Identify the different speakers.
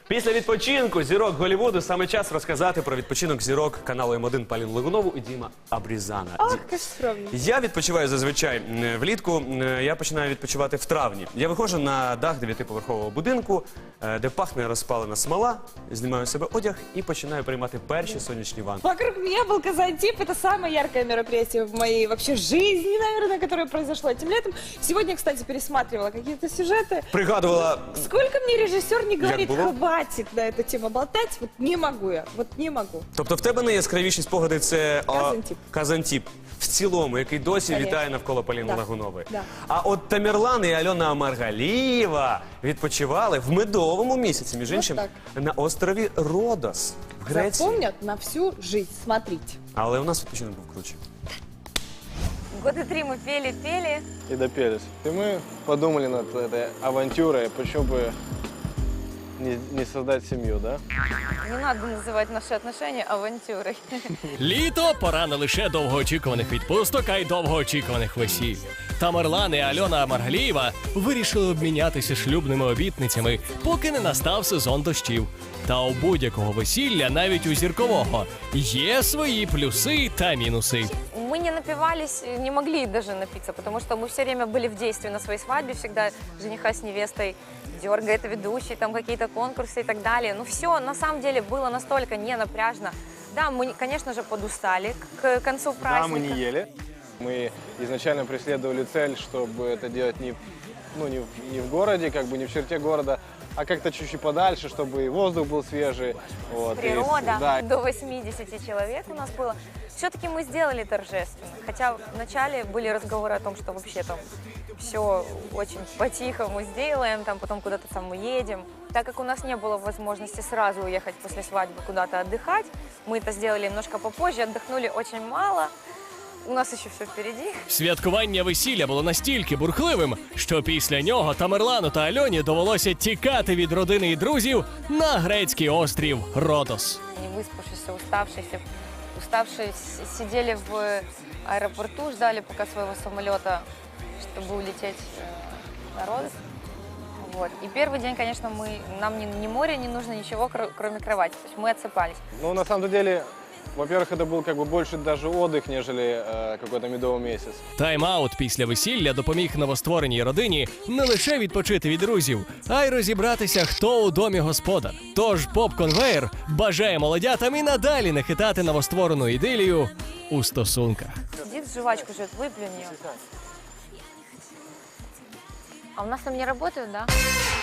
Speaker 1: Після відпочинку зірок Голлівуду саме час розказати про відпочинок зірок каналу М1 Поліну Логунову і Діма Абрізана.
Speaker 2: Ах, как скромно.
Speaker 1: Я відпочиваю зазвичай влітку, я починаю відпочивати в травні. Я виходжу на дах 9-поверхового будинку, де пахне розпалена смола, знімаю з себе одяг і починаю приймати перші сонячні ванни.
Speaker 2: Вокруг меня был Казантип. Это самое яркое мероприятие в моей вообще жизни, наверное, которое произошло этим летом. Сегодня, кстати, пересматривала какие-то сюжеты.
Speaker 1: Пригадувала...
Speaker 2: Сколько мне режиссер не говорит,
Speaker 1: было?
Speaker 2: хватит на эту тему болтать, вот не могу я, вот не могу.
Speaker 1: Тобто в тебе найяскравіші спогади це
Speaker 2: Казантип.
Speaker 1: Казантип. В цілому, який досі
Speaker 2: Конечно.
Speaker 1: вітає навколо Поліни
Speaker 2: Да.
Speaker 1: Логунової.
Speaker 2: Да.
Speaker 1: А от Тамерлан і Альона Маргалієва відпочивали в медовому місяці, між іншим,
Speaker 2: так.
Speaker 1: на острові Родос в Греції.
Speaker 2: Запомнят на всю жизнь, смотрите.
Speaker 1: Але у нас відпочинок був круче.
Speaker 3: Года 3 мы пели.
Speaker 4: И допелись. И мы подумали над этой авантюрой, почему бы не создать семью, да?
Speaker 3: Не надо называть наши отношения авантюрой.
Speaker 5: Літо – пора не лише довгоочікуваних відпусток, а й довгоочікуваних весіль. Тамерлан і Альона Маргалієва вирішили обмінятися шлюбними обітницями, поки не настав сезон дощів. Та у будь-якого весілля, навіть у зіркового, є свої плюси та мінуси.
Speaker 3: Мы не напивались, не могли даже напиться, потому что мы все время были в действии на своей свадьбе, всегда жениха с невестой дергает ведущий, там какие-то конкурсы и так далее. Но все на самом деле было настолько не напряжно. Да, мы, конечно же, подустали к концу праздника.
Speaker 4: Да, мы не ели. Мы изначально преследовали цель, чтобы это делать не в городе, как бы не в черте города, а как-то чуть-чуть подальше, чтобы и воздух был свежий. Вот,
Speaker 3: Природа.
Speaker 4: да.
Speaker 3: До 80 человек у нас было. Все-таки мы сделали торжественно. Хотя вначале были разговоры о том, что вообще там все очень по-тихому сделаем, там потом куда-то там уедем. Так как у нас не было возможности сразу уехать после свадьбы куда-то отдыхать, мы это сделали немножко попозже, отдохнули очень мало. У нас ще все впереді.
Speaker 5: Святкування весілля було настільки бурхливим, що після нього Тамерлану та Альоні довелося тікати від родини і друзів на грецький острів Родос.
Speaker 3: Не выспавшиеся, уставшие сидели в аэропорту, ждали пока своего самолета, чтобы улететь на Родос. Вот. И первый день, конечно, нам ни море не нужно, ничего, кроме кровати. То есть мы отсыпались.
Speaker 4: Ну, на самом деле, во-первых, это был как бы больше даже отдых, нежели какой-то медовый месяц.
Speaker 5: Тайм-аут після весілля допоміг новоствореній родині не лише відпочити від друзів, а й розібратися, хто у домі господар. Тож поп-конвеєр бажає молодятам і надалі не хитати новостворену ідилію у стосунках.
Speaker 3: Сидит, жвачку жует, выплюнь ее. А у нас там не работают, да?